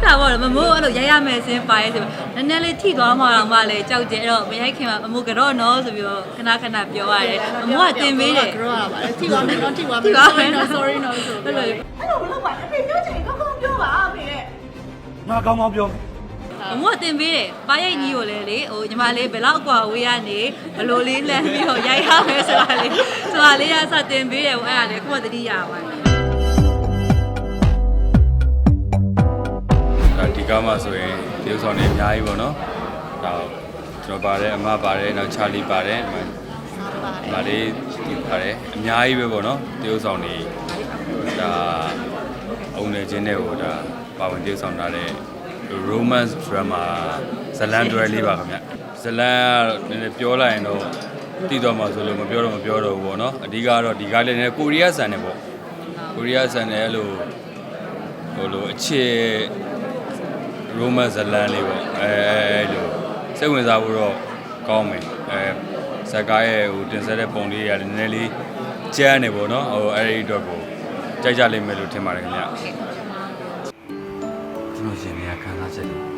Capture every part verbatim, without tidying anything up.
တာပေါ့မမိုးအဲ့လိုရိုက်ရမယ်စင်းပါရဲဆိုနည်းနည်းလေးထိသွားမှတော့မှလည်းကြောက်ကြအဲ့တော့မရိုက်ခင်မှာမမိုးကတော့နော်ဆိုပြီးတော့ခဏခဏပြောရတယ်မမိုးကတင်ပေးတယ်ကတော့ရပါတယ်ထိသွားမယ်နော်ထိသွားမယ် no sorry no ဆိုဘယ်လိုအဲ့လိုမလုပ်ပါနဲ့အဖေပြောချင်ကောင်းကောင်းပြောပါအဖေရဲ့ငါကောင်းကောင်းပြောမမိုးကတင်ပေးတယ်ပါရိုက်ကြီးကိုလည်းလေဟိုညီမလေးဘယ်လောက်กว่าဝေးရနေဘလို့လေးလမ်းပြီးတော့ရိုက်ရမယ်ဆိုတာလေးဆိုတာလေးရစတင်ပေးတယ်ဟိုအဲ့ဒါလေခုမှတတိယပါတယ်ဒီကားမှာဆိုရင်ဒီဥဆောင်နေအများကြီးပေါ့နော်ဒါကျွန်တော်ပါတယ်အမပါတယ်နောက်ချာလီပါတယ်ဒီမှာလေးဒီပါတယ်အများကြီးပဲပေါ့နော်ဒီဥဆောင်နေဒါအုံနေခြင်းတွေကိုဒါပါဝင်ဒီဥဆောင်ထားတဲ့ romance drama ဇလန်တွဲလေးပါခင်ဗျဇလန်ကနည်းနည်းပြောလိုက်ရင်တော့တည်တော်မှာဆိုလို့မပြောတော့မပြောတော့ဘူးပေါ့နော်အဓိကတော့ဒီကားလေးနဲ့ကိုရီးယားဆန်နေပေါ့ကိုရီးယားဆန်နေအဲ့လိုဟိုလိုအခြေ romance ဇလန်လေးပေါ့အဲအဲ့လိုစိတ်ဝင်စားဖို့တော့ကောင်းမယ်အဲဇက်ကားရဲ့ဟိုတင်ဆက်တဲ့ပုံလေးတွေကလည်းနည်းနည်းလေးကျန်းနေပေါ့နော်ဟိုအဲ့ဒီအတွက်ကိုကြိုက်ကြလိမ့်မယ်လို့ထင်ပါတယ်ခင်ဗျကျွန်တော်ရှင်နေရခံစားချက်တွေ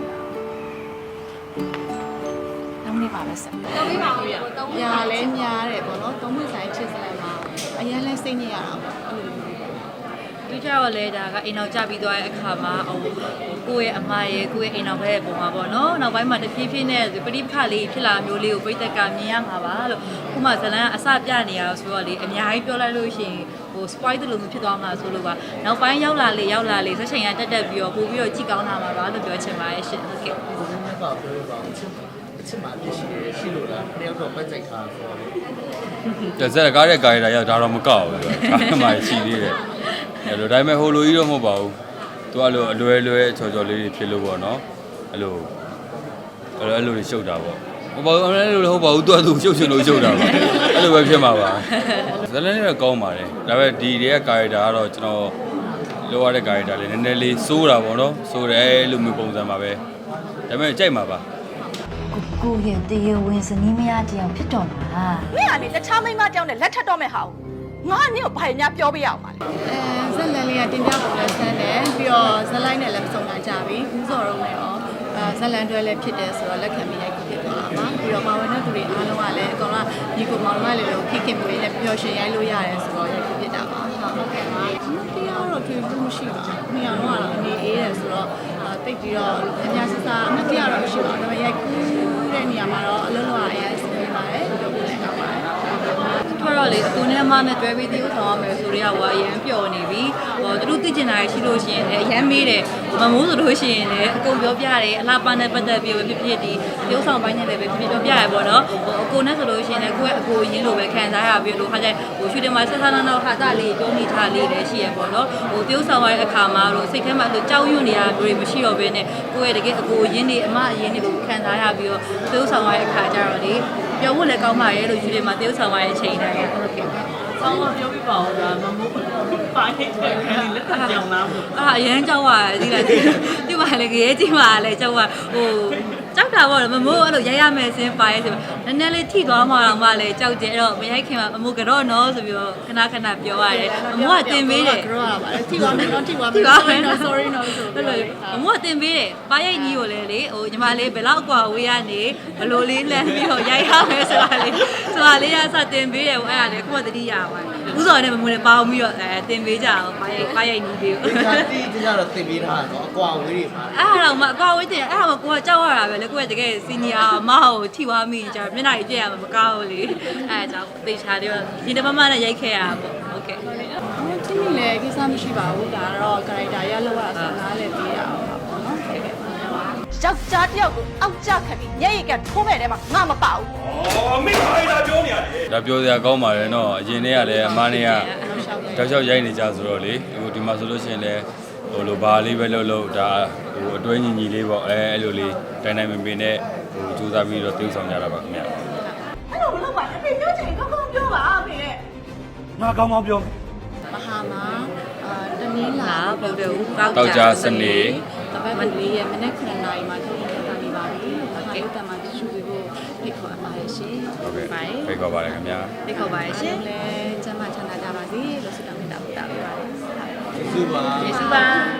တောင်းနေပါပဲဆက်တောင်းနေပါဘူးရညာလဲများတယ်ပေါ့နော်သုံးမိဆိုင်ချစ်စလန်မှာအရင်လဲစိတ်ညစ်ရတာပေါ့အဲ့လိုဒီကြောက်လဲဒါကအိမ်အောင်ကြပြီးသွားတဲ့အခါမှာဟိုကိုယ့်ရဲ့အမရဲ့ကိုယ့်ရဲ့အိမ်အောင်ဘက်ရဲ့ပုံမှာပေါ့နော်နောက်ပိုင်းမှာတဖြည်းဖြည်းနဲ့ပရိပခလေးဖြစ်လာမျိုးလေးကိုပြိတ္တကမြင်ရမှာပါလို့ခုမှဇလန်အစပြနေရဆိုတော့လေအများကြီးပြောလိုက်လို့ရှိရင်ဟို spoil တယ်လို့မဖြစ်သွားမှာဆိုလို့ပါနောက်ပိုင်းရောက်လာလေရောက်လာလေဆက်ချိန်ကတက်တက်ပြီးတော့ပို့ပြီးတော့ကြည့်ကောင်းလာမှာပါလို့ပြောချင်ပါတယ်ရှင်ဟုတ်ကဲ့ဘယ်လိုမှပါပြောပါအချက်အချက်မှအပြည့်ရှိတယ်ရှိလို့လားတယောက်တော့ပတ်ကြိုက်ထားဆိုတော့ဇက်ကားတဲ့ကာရီတာရောက်ဒါတော့မကောက်ဘူးဒါမှရှိသေးတယ်အဲ့လိုဒါပေမဲ့ဟိုလိုကြီးတော့မဟုတ်ပါဘူးသူအဲ့လိုအလွယ်လွယ်ချော်ချော်လေးတွေဖြစ်လို့ပေါ့နော်အဲ့လိုအဲ့လိုအဲ့လိုတွေရှုပ်တာပေါ့ဟိုဘာလို့အဲ့လိုလည်းဟုတ်ပါဘူးသူကသူရှုပ်ချင်လို့ရှုပ်တာပါအဲ့လိုပဲဖြစ်မှာပါဇလန်လေးတော့ကောင်းပါတယ်ဒါပေမဲ့ဒီတွေကကာရီတာကတော့ကျွန်တော်လိုရတဲ့ကာရီတာလေးနည်းနည်းလေးစိုးတာပေါ့နော်စိုးတယ်အဲ့လိုမျိုးပုံစံပါပဲဒါပေမဲ့ကြိုက်မှာပါကိုကိုရဲ့တရေဝင်စနီးမရတယောက်ဖြစ်တော့မှာမင်းကနေတခြားမိန်းမတယောက်နဲ့လက်ထပ်တော့မဲ့ဟာငါကနင့်ကိုဘာညာပြောပြရအောင်ပါလဲအဲဇက်လန်လေးကတင်ပြပုံလဲဆန်းတယ်ပြီးတော့ဇက်လိုက်နဲ့လည်းစုံလာကြပြီဘူးစော်တော့လည်းရောအဲဇက်လန်တွဲလည်းဖြစ်တယ်ဆိုတော့လက်ခံပြီးရိုက်ဖြစ်သွားတာပါပြီးတော့ပါဝင်တဲ့သူတွေအားလုံးကလည်းအကောင်ကဒီကိုမောင်မလေးလိုခိခင်မွေးနဲ့ပျော်ရွှင်ရိုက်လို့ရတယ်ဆိုတော့ရိုက်ဖြစ်တာပါဟုတ်ကဲ့ပါတရားတော့တွေ့ဘူးမရှိပါဘူးနှစ်ယောက်တော့အနေအေးတယ်ဆိုတော့တိတ်ပြီးတော့အများစစ်စားအမတရားတော့မရှိပါဘူးဒါပေမဲ့ရိုက်ကူးတဲ့နေရာမှာတော့အလုံးလုံးအရင်စီးပါတယ်ပြောပြလိုက်တာပါတယ်ထွက်တော့လေအကူနဲ့မနဲ့တွဲပြီးသေးဦးဆောင်ရမယ်ဆိုတော့ဟိုအရင်ပျော်နေပြီဟိုသူတို့သိကျင်တာရှိလို့ရှိရင်လည်းအရင်မေးတယ်မမိုးဆိုလို့ရှိရင်လည်းအကုန်ပြောပြတယ်အလားပါနဲ့ပတ်သက်ပြီးပဲဖြစ်ဖြစ်ဒီရုပ်ဆောင်ပိုင်းနဲ့လည်းပဲဖြစ်ဖြစ်ပြောပြရပေါ့နော်ဟိုအကူနဲ့ဆိုလို့ရှိရင်လည်းကိုယ့်ရဲ့အကူရင်းလိုပဲခံစားရပြီးလို့ခါကျဟိုရှူတင်မှာဆက်ဆက်နောက်နောက်ဟာတာလေးပြောနေထားလေးလည်းရှိရပေါ့နော်ဟိုပြုံးဆောင်ရတဲ့အခါမှာလို့စိတ်ထဲမှာသူကြောက်ရွံ့နေတာမျိုးတွေမရှိတော့ဘဲနဲ့ကိုယ့်ရဲ့တကယ်အကူရင်းတွေအမအရင်းတွေကိုခံစားရပြီးတော့ပြုံးဆောင်ရတဲ့အခါကျတော့လေပြောဖို့လည်းကောင်းပါရဲ့လို့ယူတယ်မှာပြုံးဆောင်ရတဲ့အချိန်တိုင်းဟုတ်ကဲ့ဆောင်းတော့ပြောပြပါဦးလားမမိုးပါခဲ့တယ်ခဏလက်ထပ်ကြောင်လားအာအရင်ကြောက်ရတယ်ဒီလားဒီမှာလည်းရဲကြီးမှာလည်းကြောက်ရဟိုကြောက်တာပေါ့မမိုးအဲ့လိုရိုက်ရမယ်စင်းပါရဲဆိုနည်းနည်းလေးထိသွားမှတော့မှလည်းကြောက်ကြအဲ့တော့မရိုက်ခင်မှာမမိုးကတော့နော်ဆိုပြီးတော့ခဏခဏပြောရတယ်မမိုးကတင်ပေးတယ်ကတော့ရပါတယ်ထိသွားမယ်နော်ထိသွားမယ် no sorry no ဆိုဘယ်လိုမမိုးကတင်ပေးတယ်ပါရိုက်ကြီးကိုလည်းလေဟိုညီမလေးဘယ်လောက်กว่าဝေးရနေဘလို့လေးလမ်းပြီးတော့ရိုက်ရမယ်ဆိုတာလေးဆိုတာလေးရစတင်ပေးတယ်ဟိုအဲ့ဒါလေခုမှတတိယပါတယ်ဥစော်နဲ့မမိုးလည်းပေါင်းပြီးတော့အဲတင်ပေးကြအောင်ပါရိုက်ပါရိုက်နီးပြီးဒီကတိဒီကတော့တင်ပေးထားတာနော်အကွာဝေးတွေမှာအဲ့ဒါတော့မအကွာဝေးတင်အဲ့ဒါမှကိုကကြောက်ရတာပဲလေကိုကတကယ်စီနီယာမဟုတ်ထိသွားမိကြမျက်နှာကြီးပြည့်ရမှာမကောင်းဘူးလေအဲ့ဒါကြောင့်သေချာတယ်ဒီတမမနဲ့ရိုက်ခဲ့ရတာပေါ့ဟုတ်ကဲ့ဒီနေ့လည်းကိစ္စမရှိပါဘူးဒါတော့ character ရလောက်ရတာနားလည်းပေးရအောင်ပါပေါ့နော်ဟုတ်ကဲ့ယောက်ျားတယောက်ကိုအောက်ကျခံပြီးညရိတ်ကထိုးမဲ့တဲမှာငါမပါဘူး။အော်မိခိုင်းတာပြောနေရတယ်။ဒါပြောစရာကောင်းပါတယ်နော်အရင်တည်းကလည်းအမားနေကတောက်လျှောက်ရိုက်နေကြဆိုတော့လေဟိုဒီမှာဆိုလို့ရှိရင်လည်းဟိုလိုဘာလေးပဲလုပ်လို့ဒါဟိုအတွဲညီညီလေးပေါ့အဲအဲ့လိုလေးတိုင်းတိုင်းမပင်နဲ့ဟိုစူးစမ်းပြီးတော့တိကျဆောင်ကြတာပါခင်ဗျာအဲ့လိုမလုပ်ပါနဲ့အဖေပြောချင်ကောင်းကောင်းပြောပါအဖေရဲ့ငါကောင်းကောင်းပြောမဟာမှာအာတနင်္လာဗုဒ္ဓဦးတောက်ကြစနေတပတ်မလေးရဲ့မနေ့ခဏနိုင်မှာထုတ်ပြန်တာနေပါပြီ။ဟုတ်ကဲ့တမန်တရှူပြီးဖို့ဖိတ်ခေါ်အပ်ပါတယ်ရှင်။ဟုတ်ကဲ့ဖိတ်ခေါ်ပါတယ်ခင်ဗျာ။ဖိတ်ခေါ်ပါတယ်ရှင်။လည်းကျမ်းမာချမ်းသာကြပါစေလို့ဆုတောင်းမေတ္တာပို့တာပေးပါတယ်။ကျေးဇူးပါ။ကျေးဇူးပါ။